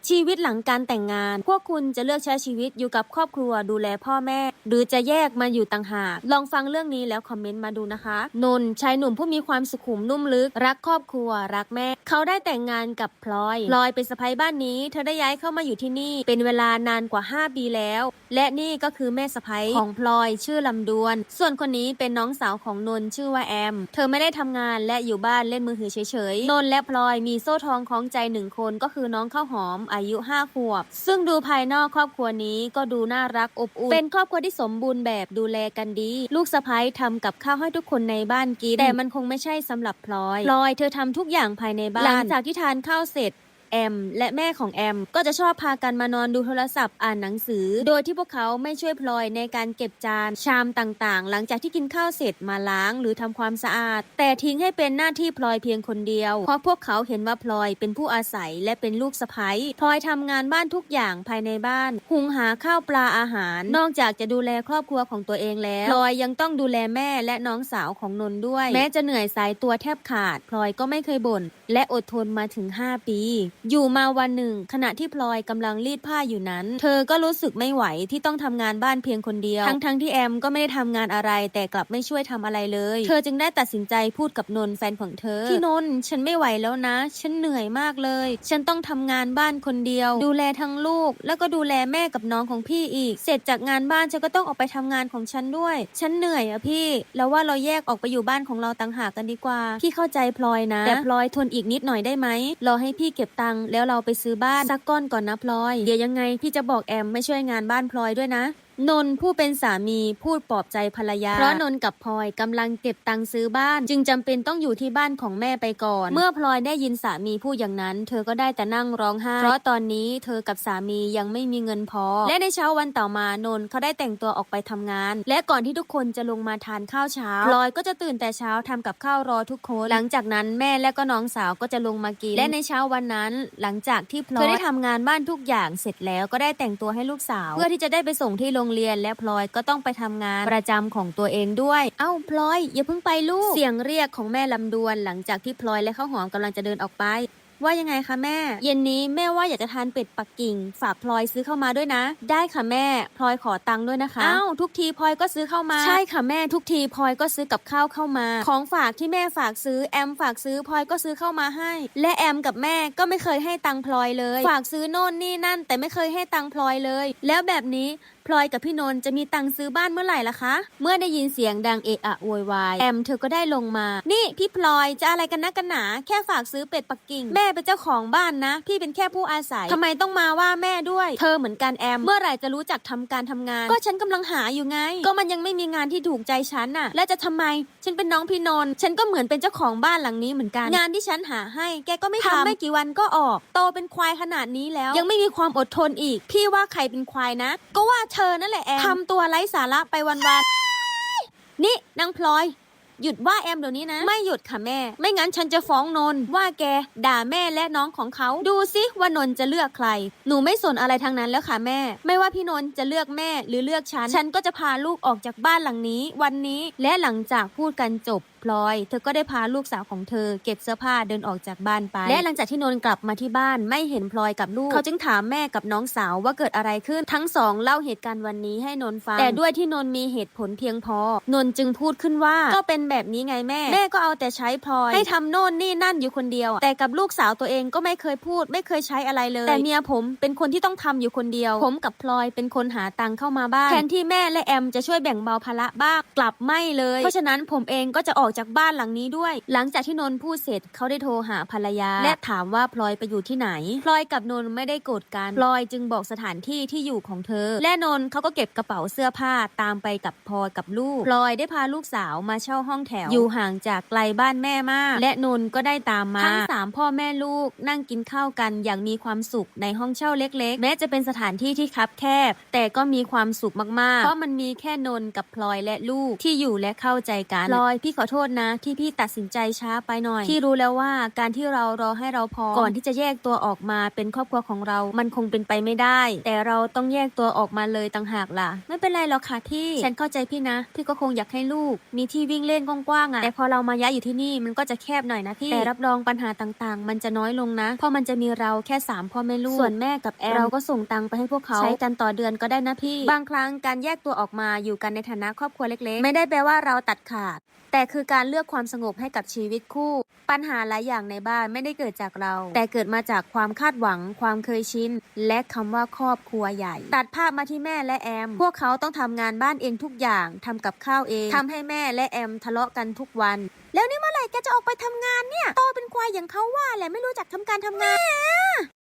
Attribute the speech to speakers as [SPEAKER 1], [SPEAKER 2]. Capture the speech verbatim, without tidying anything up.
[SPEAKER 1] ชีวิตหลังการแต่งงานพวกคุณจะเลือกใช้ชีวิตอยู่กับครอบครัวดูแลพ่อแม่หรือจะแยกมาอยู่ต่างหากลองฟังเรื่องนี้แล้วคอมเมนต์มาดูนะคะนนท์ชายหนุ่มผู้มีความสุขุมนุ่มลึกรักครอบครัวรักแม่เขาได้แต่งงานกับพลอยพลอยเป็นสะใภ้บ้านนี้เธอได้ย้ายเข้ามาอยู่ที่นี่เป็นเวลานานกว่าห้าปีแล้วและนี่ก็คือแม่สะใภ้ของพลอยชื่อลำดวนส่วนคนนี้เป็นน้องสาวของนนท์ชื่อว่าแอมเธอไม่ได้ทำงานและอยู่บ้านเล่นมือถือเฉยๆนนท์และพลอยมีโซ่ทองคล้องใจหนึ่งคนก็คือน้องข้าวหอมอายุห้าขวบซึ่งดูภายนอกครอบครัวนี้ก็ดูน่ารักอบอุ่นเป็นครอบครัวที่สมบูรณ์แบบดูแลกันดีลูกสะใภ้ทำกับข้าวให้ทุกคนในบ้านกินแต่มันคงไม่ใช่สำหรับพลอยพลอยเธอทำทุกอย่างภายในบ้านหลังจากที่ทานข้าวเสร็จแอมและแม่ของแอมก็จะชอบพากันมานอนดูโทรศัพท์อ่านหนังสือโดยที่พวกเขาไม่ช่วยพลอยในการเก็บจานชามต่างๆหลังจากที่กินข้าวเสร็จมาล้างหรือทำความสะอาดแต่ทิ้งให้เป็นหน้าที่พลอยเพียงคนเดียวเพราะพวกเขาเห็นว่าพลอยเป็นผู้อาศัยและเป็นลูกสะใภ้พลอยทำงานบ้านทุกอย่างภายในบ้านหุงหาข้าวปลาอาหารนอกจากจะดูแลครอบครัวของตัวเองแล้วพลอยยังต้องดูแลแม่และน้องสาวของนนท์ด้วยแม้จะเหนื่อยสายตัวแทบขาดพลอยก็ไม่เคยบ่นและอดทนมาถึงห้าปีอยู่มาวันหนึ่งขณะที่พลอยกำลังรีดผ้าอยู่นั้นเธอก็รู้สึกไม่ไหวที่ต้องทำงานบ้านเพียงคนเดียวทั้งๆ ท, ที่แอมก็ไม่ได้ทำงานอะไรแต่กลับไม่ช่วยทำอะไรเลยเธอจึงได้ตัดสินใจพูดกับนนท์แฟนของเธอพี่นนท์ฉันไม่ไหวแล้วนะฉันเหนื่อยมากเลยฉันต้องทำงานบ้านคนเดียวดูแลทั้งลูกแล้วก็ดูแลแม่กับน้องของพี่อีกเสร็จจากงานบ้านฉันก็ต้องออกไปทำงานของฉันด้วยฉันเหนื่อยอะพี่แล้วว่าเราแยกออกไปอยู่บ้านของเราต่างหากกันดีกว่าพี่เข้าใจพลอยนะแต่พลอยทนอีกนิดหน่อยได้ไหมรอให้พี่เก็บตังค์แล้วเราไปซื้อบ้านสักก้อนก่อนนะพลอยเดี๋ยวยังไงพี่จะบอกแอมไม่ช่วยงานบ้านพลอยด้วยนะนนท์ผู้เป็นสามีพูดปลอบใจภรรยาเพราะนนท์กับพลอยกำลังเก็บตังค์ซื้อบ้านจึงจำเป็นต้องอยู่ที่บ้านของแม่ไปก่อนเมื่อพลอยได้ยินสามีพูดอย่างนั้นเธอก็ได้แต่นั่งร้องไห้เพราะตอนนี้เธอกับสามียังไม่มีเงินพอและในเช้าวันต่อมานนท์เขาได้แต่งตัวออกไปทำงานและก่อนที่ทุกคนจะลงมาทานข้าวเช้าพลอยก็จะตื่นแต่เช้าทำกับข้าวรอทุกคนหลังจากนั้นแม่และก็น้องสาวก็จะลงมากินและในเช้าวันนั้นหลังจากที่พลอยเธอได้ทำงานบ้านทุกอย่างเสร็จแล้วก็ได้แต่งตัวให้ลูกสาวเพื่อที่จะได้ไปส่งที่โรงเรียนและพลอยก็ต้องไปทำงานประจำของตัวเองด้วยเอ้าพลอยอย่าเพิ่งไปลูกเสียงเรียกของแม่ลำดวนหลังจากที่พลอยและข้าวหอมกำลังจะเดินออกไปว่ายังไงคะแม่เย็นนี้แม่ว่าอยากจะทานเป็ดปักกิ่งฝากพลอยซื้อเข้ามาด้วยนะได้ค่ะแม่พลอยขอตังค์ด้วยนะคะอ้าวทุกทีพลอยก็ซื้อเข้ามาใช่ค่ะแม่ทุกทีพลอยก็ซื้อกับข้าวเข้ามาของฝากที่แม่ฝากซื้อแอมฝากซื้อพลอยก็ซื้อเข้ามาให้และแอมกับแม่ก็ไม่เคยให้ตังค์พลอยเลยฝากซื้อโน่นนี่นั่นแต่ไม่เคยให้ตังค์พลอยเลยแล้วแบบนี้พลอยกับพี่นนท์จะมีตังค์ซื้อบ้านเมื่อไหร่ล่ะคะเมื่อได้ยินเสียงดังเอะอะโวยวายแอมเธอก็ได้ลงมานี่พี่พลอยจะอะไรกันนักกันหนาแค่ฝากซื้อเป็ดปักกิ่งแม่เป็นเจ้าของบ้านนะพี่เป็นแค่ผู้อาศัยทำไมต้องมาว่าแม่ด้วยเธอเหมือนกันแอมเมื่อไหร่จะรู้จักทำการทำงานก็ฉันกำลังหาอยู่ไงก็มันยังไม่มีงานที่ถูกใจฉันน่ะและจะทำไมฉันเป็นน้องพี่นนท์ฉันก็เหมือนเป็นเจ้าของบ้านหลังนี้เหมือนกันงานที่ฉันหาให้แกก็ไม่ทำไม่กี่วันก็ออกโตเป็นควายขนาดนี้แล้วยังไม่มีความอดทนอีกพี่ว่าใครเป็นควายนะก็ว่าเธอนั่นแหละแอมทำตัวไร้สาระไปวันๆนี่นางพลอยหยุดว่าแอมเดี๋ยวนี้นะไม่หยุดค่ะแม่ไม่งั้นฉันจะฟ้องนนท์ว่าแกด่าแม่และน้องของเขาดูสิว่านนท์จะเลือกใครหนูไม่สนอะไรทั้งนั้นแล้วค่ะแม่ไม่ว่าพี่นนท์จะเลือกแม่หรือเลือกฉันฉันก็จะพาลูกออกจากบ้านหลังนี้วันนี้และหลังจากพูดกันจบพลอยเธอก็ได้พาลูกสาวของเธอเก็บเสื้อผ้าเดินออกจากบ้านไปและหลังจากที่นนท์กลับมาที่บ้านไม่เห็นพลอยกับลูกเขาจึงถามแม่กับน้องสาวว่าเกิดอะไรขึ้นทั้งสองเล่าเหตุการณ์วันนี้ให้นนท์ฟังแต่ด้วยที่นนท์มีเหตุผลเพียงพอนนท์จึงพูดขึ้นว่าก็เป็นแบบนี้ไงแม่แม่ก็เอาแต่ใช้พลอยให้ทำโน่นนี่นั่นอยู่คนเดียวแต่กับลูกสาวตัวเองก็ไม่เคยพูดไม่เคยใช้อะไรเลยแต่เมียผมเป็นคนที่ต้องทำอยู่คนเดียวผมกับพลอยเป็นคนหาตังค์เข้ามาบ้านแทนที่แม่และแอมจะช่วยแบ่งเบาภาระบ้างกลับไม่เลยเพราะฉะนั้นผมเองก็จะออกจากบ้านหลังนี้ด้วยหลังจากที่นนท์พูดเสร็จเขาได้โทรหาภรรยาและถามว่าพลอยไปอยู่ที่ไหนพลอยกับนนท์ไม่ได้โกรธกันพลอยจึงบอกสถานที่ที่อยู่ของเธอและนนท์เขาก็เก็บกระเป๋าเสื้อผ้าตามไปกับพลอยกับลูกพลอยได้พาลูกสาวมาเช่าห้องแถวอยู่ห่างจากไกลบ้านแม่มากและนนท์ก็ได้ตามมาทั้งสามพ่อแม่ลูกนั่งกินข้าวกันอย่างมีความสุขในห้องเช่าเล็กๆแม้จะเป็นสถานที่ที่คับแคบแต่ก็มีความสุขมากๆเพราะมันมีแค่นนท์กับพลอยและลูกที่อยู่และเข้าใจกันพลอยพี่ขอโทโทษนะที่พี่ตัดสินใจช้าไปหน่อยพี่รู้แล้วว่าการที่เรารอให้เราพร้อมก่อนที่จะแยกตัวออกมาเป็นครอบครัวของเรามันคงเป็นไปไม่ได้แต่เราต้องแยกตัวออกมาเลยต่างหากล่ะไม่เป็นไรหรอกค่ะที่ฉันเข้าใจพี่นะพี่ก็คงอยากให้ลูกมีที่วิ่งเล่นกว้างๆอ่ะแต่พอเรามาย้ายอยู่ที่นี่มันก็จะแคบหน่อยนะพี่แต่รับรองปัญหาต่างๆมันจะน้อยลงนะเพราะมันจะมีเราแค่สามพ่อแม่ลูกส่วนแม่กับแอมเราก็ส่งตังค์ไปให้พวกเขาใช้กันต่อเดือนก็ได้นะพี่บางครั้งการแยกตัวออกมาอยู่กันในฐานะครอบครัวเล็กๆไม่ได้แปลว่าเราตัดขาดแต่คือการเลือกความสงบให้กับชีวิตคู่ปัญหาหลายอย่างในบ้านไม่ได้เกิดจากเราแต่เกิดมาจากความคาดหวังความเคยชินและคำว่าครอบครัวใหญ่ตัดภาพมาที่แม่และแอมพวกเขาต้องทำงานบ้านเองทุกอย่างทำกับข้าวเองทำให้แม่และแอมทะเลาะกันทุกวันแล้วนี่เมื่อไหร่แกจะออกไปทำงานเนี่ยโตเป็นควายอย่างเขาว่าแหละไม่รู้จักทำการทำงาน